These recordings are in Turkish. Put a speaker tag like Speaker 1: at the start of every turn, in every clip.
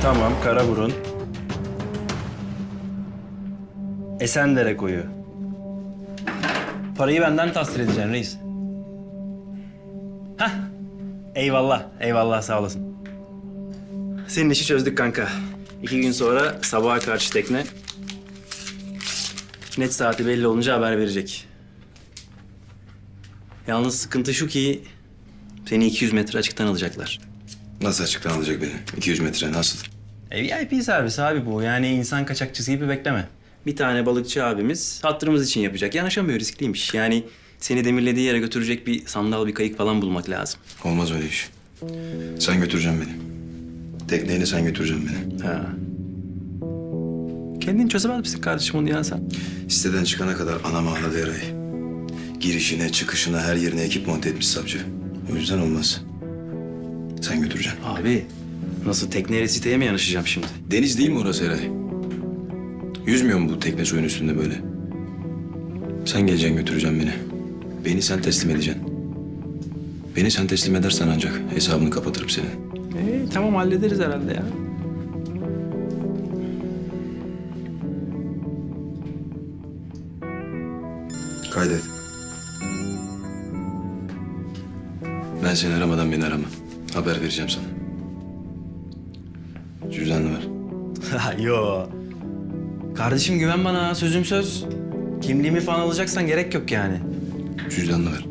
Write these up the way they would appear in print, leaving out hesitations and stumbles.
Speaker 1: Tamam, Karaburun. Esendere koyu. Parayı benden tahsil edeceksin reis. Hah. Eyvallah, eyvallah sağ olasın. Senin işi çözdük kanka. 2 gün sonra sabaha karşı tekne. Net saati belli olunca haber verecek. Yalnız sıkıntı şu ki seni 200 metre açıktan alacaklar.
Speaker 2: Nasıl açıktan alacak beni? 200 metre nasıl?
Speaker 1: VIP servis abi bu. Yani insan kaçakçısı gibi bekleme. Bir tane balıkçı abimiz hatırımız için yapacak. Yanaşamıyor, riskliymiş. Yani seni demirlediği yere götürecek bir sandal, bir kayık falan bulmak lazım.
Speaker 2: Olmaz öyle iş. Sen götüreceksin beni. Tekneyle sen götüreceksin beni.
Speaker 1: Ha. Kendin çözemez misin kardeşim onu ya sen?
Speaker 2: Siteden çıkana kadar anam ağladı Eray'ı. Girişine, çıkışına, her yerine ekip monte etmiş savcı. O yüzden olmaz. Sen götüreceksin.
Speaker 1: Abi nasıl tekneyle siteye mi yanaşacağım şimdi?
Speaker 2: Deniz değil mi orası Eray? Yüzmüyor mu bu tekne suyun üstünde böyle? Sen geleceksin götüreceksin beni. Beni sen teslim edeceksin. Beni sen teslim edersen ancak hesabını kapatırım senin.
Speaker 1: Tamam hallederiz herhalde ya.
Speaker 2: Kaydet. Ben seni aramadan beni arama. Haber vereceğim sana. Cüzdanını ver.
Speaker 1: Yo. Kardeşim güven bana, sözüm söz. Kimliğimi falan alacaksan gerek yok yani.
Speaker 2: Cüzdanını ver.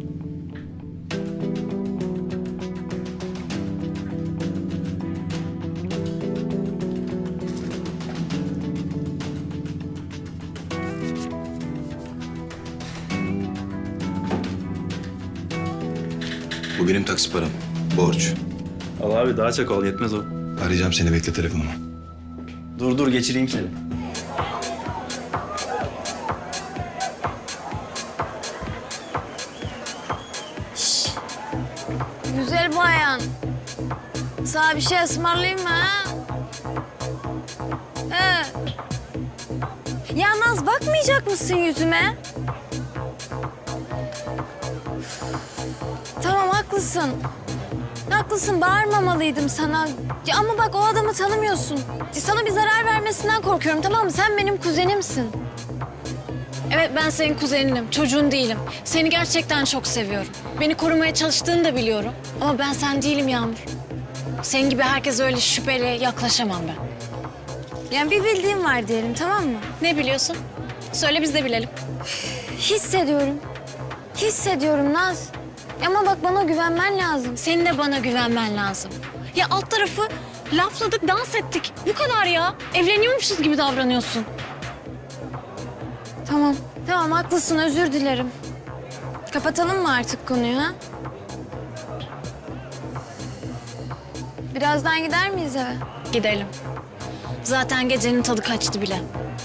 Speaker 2: Bu benim taksi param. Borç.
Speaker 1: Al abi daha çok ol, yetmez o.
Speaker 2: Arayacağım seni, bekle telefonumu.
Speaker 1: Dur geçireyim seni.
Speaker 3: Güzel bayan. Sana bir şey ısmarlayayım mı ha? Ya Naz bakmayacak mısın yüzüme? Tamam haklısın. Haklısın bağırmamalıydım sana. Ya ama bak o adamı tanımıyorsun. Sana bir zarar vermesinden korkuyorum tamam mı? Sen benim kuzenimsin. Evet ben senin kuzeninim, çocuğun değilim. Seni gerçekten çok seviyorum. Beni korumaya çalıştığını da biliyorum. Ama ben sen değilim Yağmur. Senin gibi herkes öyle şüpheli yaklaşamam ben. Yani bir bildiğim var diyelim tamam mı? Ne biliyorsun? Söyle biz de bilelim. Hissediyorum. Hissediyorum Naz. Ama bak bana güvenmen lazım. Senin de bana güvenmen lazım. Ya alt tarafı lafladık, dans ettik. Bu kadar ya. Evleniyormuşuz gibi davranıyorsun. Tamam. Tamam haklısın özür dilerim. Kapatalım mı artık konuyu ha? Birazdan gider miyiz eve? Gidelim. Zaten gecenin tadı kaçtı bile.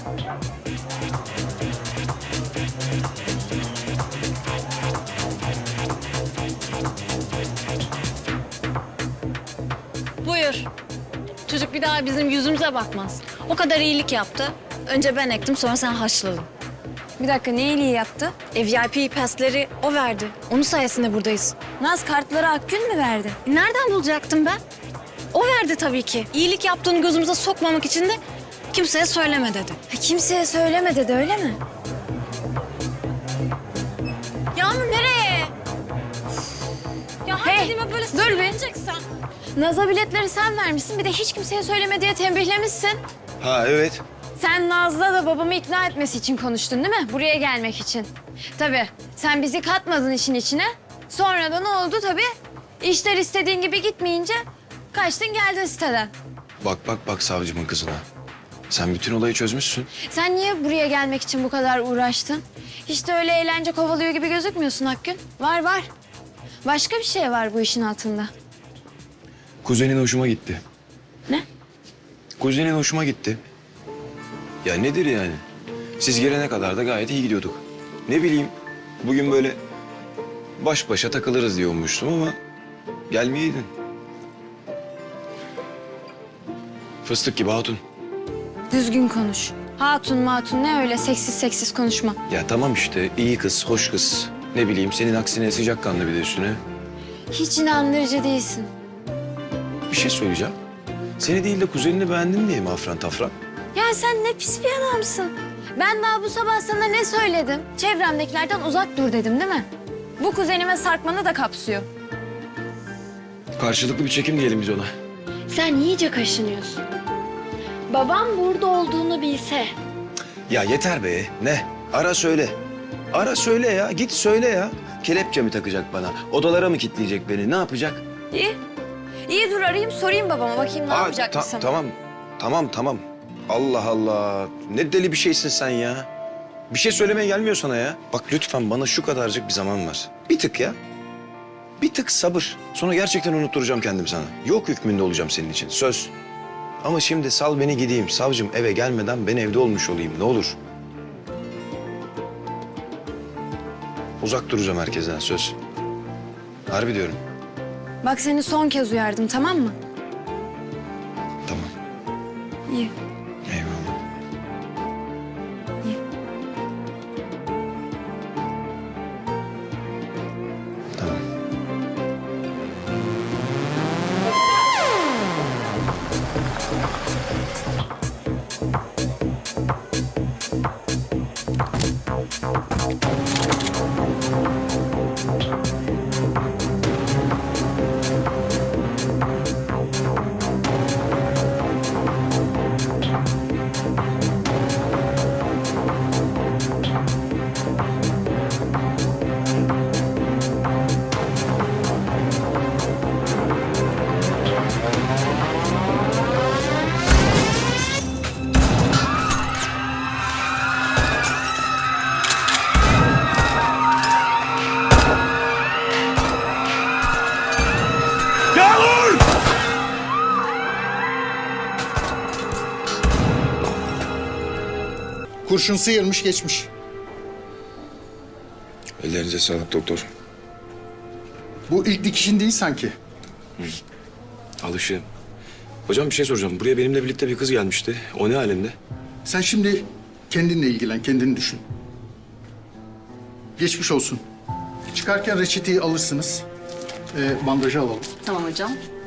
Speaker 3: Buyur. Çocuk bir daha bizim yüzümüze bakmaz. O kadar iyilik yaptı. Önce ben ektim sonra sen haşladın. Bir dakika ne iyiliği yaptı? VIP pasleri o verdi. Onun sayesinde buradayız. Naz kartları Akgün mü verdi? Nereden bulacaktım ben? O verdi tabii ki. İyilik yaptığını gözümüze sokmamak için de kimseye söyleme dedi. Kimseye söyleme dedi öyle mi? Yağmur nereye? Ya dediğime böyle söyleneceksen. Naz'a biletleri sen vermişsin. Bir de hiç kimseye söyleme diye tembihlemişsin.
Speaker 2: Ha evet.
Speaker 3: Sen Naz'la da babamı ikna etmesi için konuştun değil mi? Buraya gelmek için. Tabii sen bizi katmadın işin içine. Sonra da ne oldu tabii? İşler istediğin gibi gitmeyince kaçtın geldin siteden.
Speaker 2: Bak savcımın kızına. Sen bütün olayı çözmüşsün.
Speaker 3: Sen niye buraya gelmek için bu kadar uğraştın? Hiç de öyle eğlence kovalıyor gibi gözükmüyorsun Akgün. Var. Başka bir şey var bu işin altında.
Speaker 2: Kuzenin hoşuma gitti.
Speaker 3: Ne?
Speaker 2: Kuzenin hoşuma gitti. Ya nedir yani? Siz gelene kadar da gayet iyi gidiyorduk. Ne bileyim, bugün böyle baş başa takılırız diye ummuştum ama gelmeyeydin. Fıstık gibi hatun.
Speaker 3: Düzgün konuş. Hatun matun ne öyle seksiz konuşma.
Speaker 2: Ya tamam işte, iyi kız, hoş kız. Ne bileyim, senin aksine sıcakkanlı bir de üstüne.
Speaker 3: Hiç inandırıcı değilsin.
Speaker 2: Bir şey söyleyeceğim. Seni değil de kuzenini beğendin diye mi afran tafran?
Speaker 3: Ya sen ne pis bir adamsın. Ben daha bu sabah sana ne söyledim? Çevremdekilerden uzak dur dedim değil mi? Bu kuzenime sarkmanı da kapsıyor.
Speaker 2: Karşılıklı bir çekim diyelim biz ona.
Speaker 3: Sen iyice kaşınıyorsun. Babam burada olduğunu bilse.
Speaker 2: Ya yeter be. Ne? Ara söyle. Ara söyle ya. Git söyle ya. Kelepçe mi takacak bana? Odalara mı kilitleyecek beni? Ne yapacak?
Speaker 3: İyi. İyi dur arayayım sorayım babama bakayım ne yapacak mısın?
Speaker 2: Tamam. Allah Allah. Ne deli bir şeysin sen ya. Bir şey söylemeye gelmiyor sana ya. Bak lütfen bana şu kadarcık bir zaman var. Bir tık ya. Bir tık sabır. Sonra gerçekten unutturacağım kendim sana. Yok hükmünde olacağım senin için. Söz. Ama şimdi sal beni gideyim. Savcım eve gelmeden ben evde olmuş olayım. Ne olur. Uzak duracağım herkesten söz. Harbi diyorum.
Speaker 3: Bak seni son kez uyardım tamam mı?
Speaker 2: Tamam.
Speaker 3: İyi.
Speaker 2: Eyvallah.
Speaker 3: İyi.
Speaker 2: Tamam.
Speaker 4: Kurşun sıyırmış geçmiş.
Speaker 2: Ellerinize sağlık doktor.
Speaker 4: Bu ilk dikişin değil sanki.
Speaker 2: Alışığım. Hocam bir şey soracağım. Buraya benimle birlikte bir kız gelmişti. O ne alemde?
Speaker 4: Sen şimdi kendinle ilgilen, kendini düşün. Geçmiş olsun. Çıkarken reçeteyi alırsınız. Bandajı alalım.
Speaker 5: Tamam hocam.